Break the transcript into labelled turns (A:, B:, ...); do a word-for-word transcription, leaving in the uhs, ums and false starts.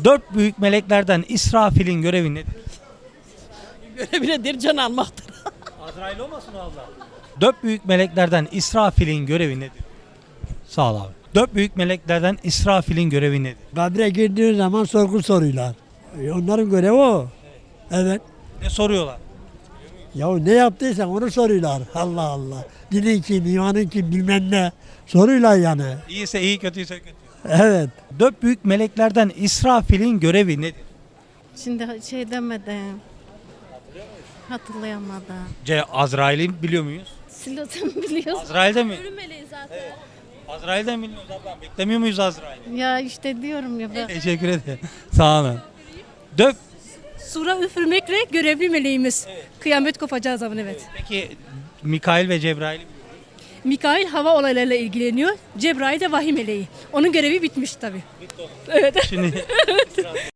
A: Dört büyük meleklerden İsrafil'in görevi nedir?
B: Görevi nedir? Can almaktır.
A: Azrail olmasın o abla? Dört büyük meleklerden İsrafil'in görevi nedir? Sağ ol abi. Dört büyük meleklerden İsrafil'in görevi nedir?
C: Kabre girdiği zaman sorgu soruyorlar. E, Onların görevi o. Evet.
A: Ne soruyorlar?
C: Ya ne yaptıysan onu soruyorlar. Allah Allah. Dinin kim, imanın kim bilmem ne. Soruyorlar yani.
A: İyiyse iyi, kötüyse kötü.
C: Evet.
A: Dört büyük meleklerden İsrafil'in görevi nedir?
D: Şimdi şey demedim. Hatırlayamadım.
A: C. Azrail'i biliyor muyuz?
D: Silo'dan biliyorsun.
A: Azrail'de mi?
D: Ölüm meleği zaten.
A: Azrail'den biliyoruz abla. Beklemiyor muyuz Azrail'i?
D: Ya işte diyorum ya ben.
A: Teşekkür ederim. Sağ olun. Dört.
E: Sura üfürmekle görevli meleğimiz. Kıyamet kopacağı zaman evet.
A: Peki Mikail ve Cebrail'i biliyor muyuz?
E: Mikail hava olaylarıyla ilgileniyor. Cebrail de vahiy meleği. Onun görevi bitmiş tabii.
A: Şimdi